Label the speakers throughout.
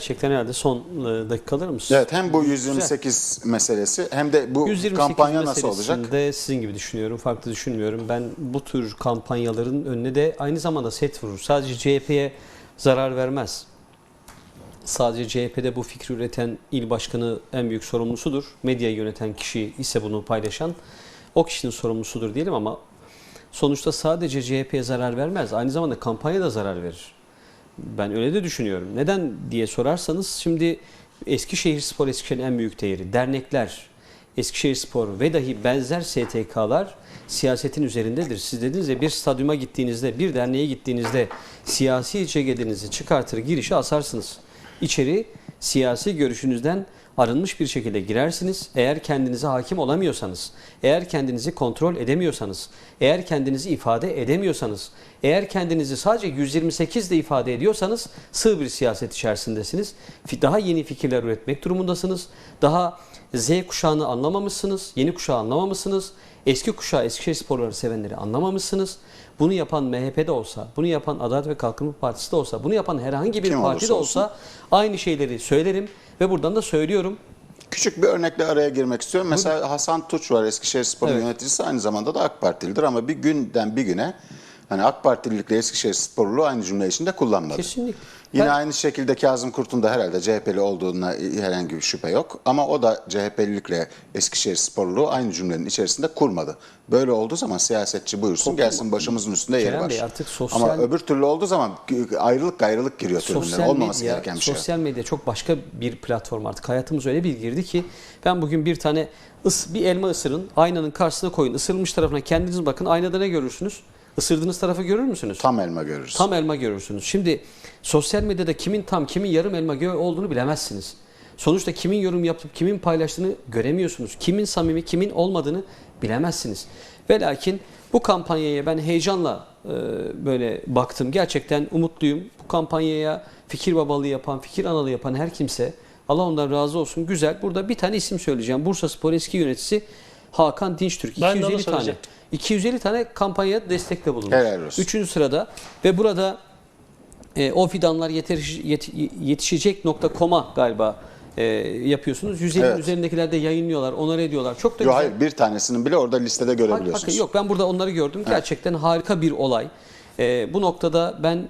Speaker 1: Gerçekten herhalde son dakikalarımız.
Speaker 2: Evet, hem bu 128 meselesi hem de bu
Speaker 1: 128
Speaker 2: kampanya nasıl olacak?
Speaker 1: De sizin gibi düşünüyorum, farklı düşünmüyorum. Ben bu tür kampanyaların önüne de aynı zamanda set vurur. Sadece CHP'ye zarar vermez. Sadece CHP'de bu fikri üreten il başkanı en büyük sorumlusudur. Medyayı yöneten kişi ise bunu paylaşan o kişinin sorumlusudur diyelim ama sonuçta sadece CHP'ye zarar vermez. Aynı zamanda kampanya da zarar verir. Ben öyle de düşünüyorum. Neden diye sorarsanız şimdi Eskişehirspor Eskişehir'in en büyük değeri. Dernekler, Eskişehirspor ve dahi benzer STK'lar siyasetin üzerindedir. Siz dediniz ya bir stadyuma gittiğinizde, bir derneğe gittiğinizde siyasi cegedinizi çıkartır girişe asarsınız. İçeri siyasi görüşünüzden arınmış bir şekilde girersiniz. Eğer kendinize hakim olamıyorsanız, eğer kendinizi kontrol edemiyorsanız, eğer kendinizi ifade edemiyorsanız, eğer kendinizi sadece 128 ile ifade ediyorsanız sığ bir siyaset içerisindesiniz. Daha yeni fikirler üretmek durumundasınız. Daha Z kuşağını anlamamışsınız, yeni kuşağı anlamamışsınız. Eski kuşağı, Eskişehirsporları sevenleri anlamamışsınız. Bunu yapan MHP'de olsa, bunu yapan Adalet ve Kalkınma Partisi de olsa, bunu yapan herhangi bir
Speaker 2: Kim
Speaker 1: parti de olsa aynı şeyleri söylerim ve buradan da söylüyorum.
Speaker 2: Küçük bir örnekle araya girmek istiyorum. Mesela Hasan Tuç var, Eskişehirspor'un yöneticisi, aynı zamanda da AK Partilidir ama bir günden bir güne hani AK Partililikle Eskişehirsporluluğu aynı cümle içinde kullanmadı.
Speaker 1: Kesinlikle.
Speaker 2: Yine aynı şekilde Kazım Kurt'un da herhalde CHP'li olduğuna herhangi bir şüphe yok. Ama o da CHP'lilikle Eskişehirsporluluğu aynı cümlenin içerisinde kurmadı. Böyle olduğu zaman siyasetçi buyursun gelsin, başımızın üstünde yeri
Speaker 1: Kerem
Speaker 2: var.
Speaker 1: Bey, artık sosyal...
Speaker 2: Ama öbür türlü olduğu zaman ayrılık gayrılık giriyor tribünlere. Olmaması gereken bir şey.
Speaker 1: Sosyal medya çok başka bir platform artık. Hayatımız öyle bir girdi ki ben bugün bir tane bir elma ısırın, aynanın karşısına koyun, ısırılmış tarafına kendiniz bakın, aynada ne görürsünüz? Isırdığınız tarafı görür müsünüz?
Speaker 2: Tam elma görürüz.
Speaker 1: Tam elma görürsünüz. Şimdi sosyal medyada kimin tam, kimin yarım elma olduğunu bilemezsiniz. Sonuçta kimin yorum yapıp kimin paylaştığını göremiyorsunuz. Kimin samimi, kimin olmadığını bilemezsiniz. Ve lakin bu kampanyaya ben heyecanla böyle baktım. Gerçekten umutluyum. Bu kampanyaya fikir babalığı yapan, fikir analığı yapan her kimse Allah ondan razı olsun. Güzel. Burada bir tane isim söyleyeceğim. Bursaspor eski yöneticisi Hakan Dinçtürk. 250 tane kampanyaya destekte bulunmuş.
Speaker 2: Helal olsun.
Speaker 1: 3. sırada ve burada o fidanlar yetişecek.com'a galiba yapıyorsunuz. 150'nin üzerindekiler de yayınlıyorlar, onları ediyorlar. Çok da güzel.
Speaker 2: Hayır, bir tanesinin bile orada listede görebiliyorsunuz.
Speaker 1: Bakın, yok, ben burada onları gördüm. Gerçekten harika bir olay. Bu noktada ben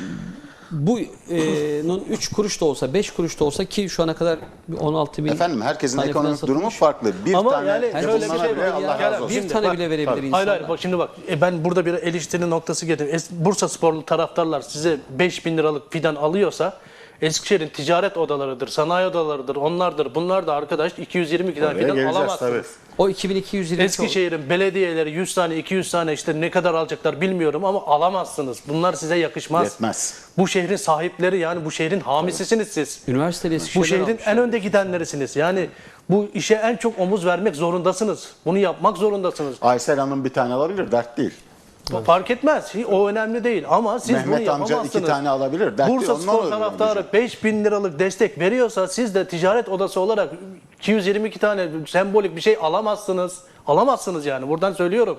Speaker 1: bunun 3 kuruş da olsa, 5 kuruş da olsa ki şu ana kadar 16 bin...
Speaker 2: Efendim, herkesin
Speaker 1: tane
Speaker 2: ekonomik
Speaker 1: falan
Speaker 2: durumu
Speaker 1: satılmış.
Speaker 2: farklı. Bir
Speaker 3: Ama
Speaker 2: tane
Speaker 3: yani şöyle bir şey var.
Speaker 2: Allah razı olsun.
Speaker 1: Bir tane bile verebilir insanlar.
Speaker 3: Hayır bak şimdi bak ben burada bir eleştiri noktası getirdim. Bursasporlu taraftarlar size 5.000 liralık fidan alıyorsa Eskişehir'in ticaret odalarıdır, sanayi odalarıdır, onlardır. Bunlar da arkadaş 222 tane fidan alamazsınız.
Speaker 2: Tabii.
Speaker 1: O 2220
Speaker 3: Eskişehir'in belediyeleri 100 tane 200 tane işte ne kadar alacaklar bilmiyorum ama alamazsınız. Bunlar size yakışmaz.
Speaker 2: Yetmez.
Speaker 3: Bu şehrin sahipleri, yani bu şehrin hamisisiniz siz.
Speaker 1: Üniversiteli
Speaker 3: Bu şehrin en önde gidenlerisiniz. Yani bu işe en çok omuz vermek zorundasınız. Bunu yapmak zorundasınız.
Speaker 2: Aysel Hanım bir tane alabilir, dert değil.
Speaker 3: Fark etmez. O önemli değil. Ama siz bunu
Speaker 2: Mehmet amca
Speaker 3: yapamazsınız.
Speaker 2: 2 tane alabilir. Dert değil.
Speaker 3: Bursaspor taraftarı 5.000 liralık destek veriyorsa siz de ticaret odası olarak 222 tane sembolik bir şey alamazsınız. Alamazsınız yani. Buradan söylüyorum.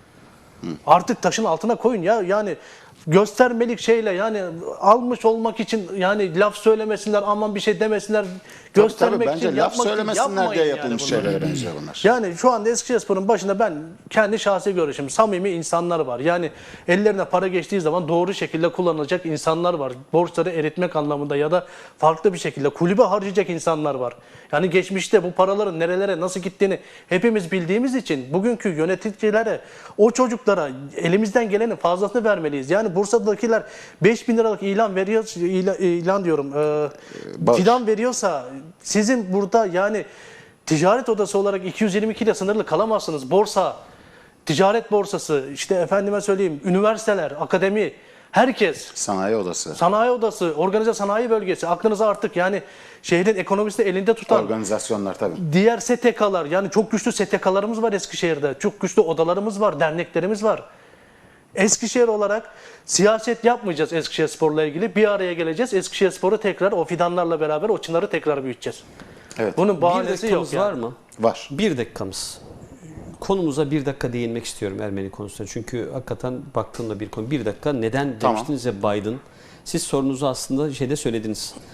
Speaker 3: Artık taşın altına koyun ya. Yani göstermelik şeyle, yani almış olmak için yani laf söylemesinler, aman bir şey demesinler. Göstermek
Speaker 2: bence
Speaker 3: için,
Speaker 2: laf
Speaker 3: yapmak için
Speaker 2: söylemesinler diye yapılmış
Speaker 3: bunları.
Speaker 2: şeylere benziyor bunlar.
Speaker 3: Yani şu anda Eskişehirspor'un başında ben kendi şahsi görüşüm, samimi insanlar var. Yani ellerine para geçtiği zaman doğru şekilde kullanılacak insanlar var. Borçları eritmek anlamında ya da farklı bir şekilde kulübe harcayacak insanlar var. Yani geçmişte bu paraların nerelere nasıl gittiğini hepimiz bildiğimiz için bugünkü yöneticilere, o çocuklara elimizden gelenin fazlasını vermeliyiz. Yani Bursa'dakiler 5.000 liralık ilan veriyor, ilan diyorum, fidan veriyorsa sizin burada yani ticaret odası olarak 222 ile sınırlı kalamazsınız. Borsa, ticaret borsası, işte efendime söyleyeyim, üniversiteler, akademi, herkes.
Speaker 2: Sanayi odası.
Speaker 3: Sanayi odası, organize sanayi bölgesi. Aklınıza artık yani şehrin ekonomisini elinde tutan
Speaker 2: Organizasyonlar tabii.
Speaker 3: diğer STK'lar, yani çok güçlü STK'larımız var Eskişehir'de. Çok güçlü odalarımız var, derneklerimiz var. Eskişehir olarak siyaset yapmayacağız Eskişehirspor'la ilgili. Bir araya geleceğiz. Eskişehirspor'u tekrar o fidanlarla beraber o çınarı tekrar büyüteceğiz.
Speaker 2: Evet.
Speaker 3: Bunun
Speaker 1: Bir
Speaker 3: bahanesi yok
Speaker 1: dakikamız
Speaker 3: yani.
Speaker 1: var mı?
Speaker 2: Var.
Speaker 1: 1 dakikamız. Konumuza 1 dakika değinmek istiyorum, Ermeni konusuna. Çünkü hakikaten baktığımda bir konu. 1 dakika neden demiştiniz ya Biden. Siz sorunuzu aslında şeyde söylediniz.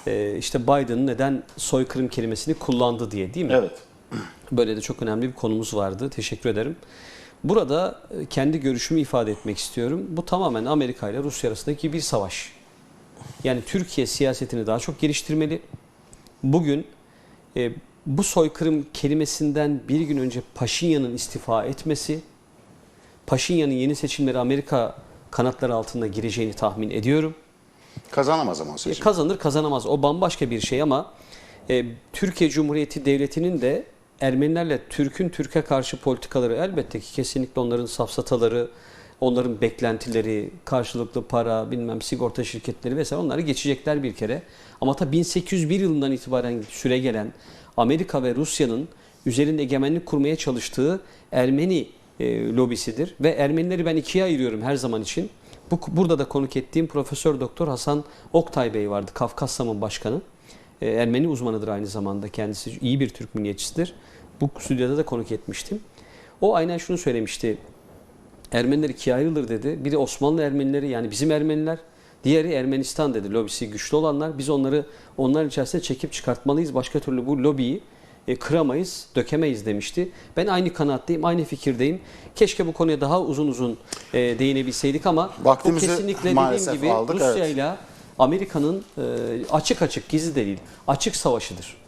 Speaker 1: işte Biden neden soykırım kelimesini kullandı diye, değil mi?
Speaker 2: Evet.
Speaker 1: Böyle de çok önemli bir konumuz vardı. Teşekkür ederim. Burada kendi görüşümü ifade etmek istiyorum. Bu tamamen Amerika ile Rusya arasındaki bir savaş. Yani Türkiye siyasetini daha çok geliştirmeli. Bugün bu soykırım kelimesinden bir gün önce Paşinyan'ın istifa etmesi, Paşinyan'ın yeni seçimleri Amerika kanatları altında gireceğini tahmin ediyorum.
Speaker 2: Kazanamaz ama o seçim.
Speaker 1: Kazanır kazanamaz o bambaşka bir şey ama Türkiye Cumhuriyeti Devleti'nin de Ermenilerle Türk'ün Türk'e karşı politikaları elbette ki kesinlikle onların safsataları, onların beklentileri, karşılıklı para, bilmem sigorta şirketleri vesaire onları geçecekler bir kere. Ama ta 1801 yılından itibaren süre gelen Amerika ve Rusya'nın üzerinde egemenlik kurmaya çalıştığı Ermeni lobisidir. Ve Ermenileri ben ikiye ayırıyorum her zaman için. Burada da konuk ettiğim Profesör Doktor Hasan Oktay Bey vardı, Kafkassam'ın başkanı. Ermeni uzmanıdır aynı zamanda kendisi, iyi bir Türk milliyetçisidir. Bu stüdyoda da konuk etmiştim. O aynen şunu söylemişti. Ermeniler ikiye ayrılır dedi. Biri Osmanlı Ermenileri, yani bizim Ermeniler. Diğeri Ermenistan dedi. Lobisi güçlü olanlar. Biz onların içerisine çekip çıkartmalıyız. Başka türlü bu lobiyi kıramayız, dökemeyiz demişti. Ben aynı kanaatteyim, aynı fikirdeyim. Keşke bu konuya daha uzun değinebilseydik ama
Speaker 2: Vaktimizi
Speaker 1: bu kesinlikle
Speaker 2: maalesef
Speaker 1: dediğim gibi
Speaker 2: aldık,
Speaker 1: Rusya ile Amerika'nın açık gizli de değil, açık savaşıdır.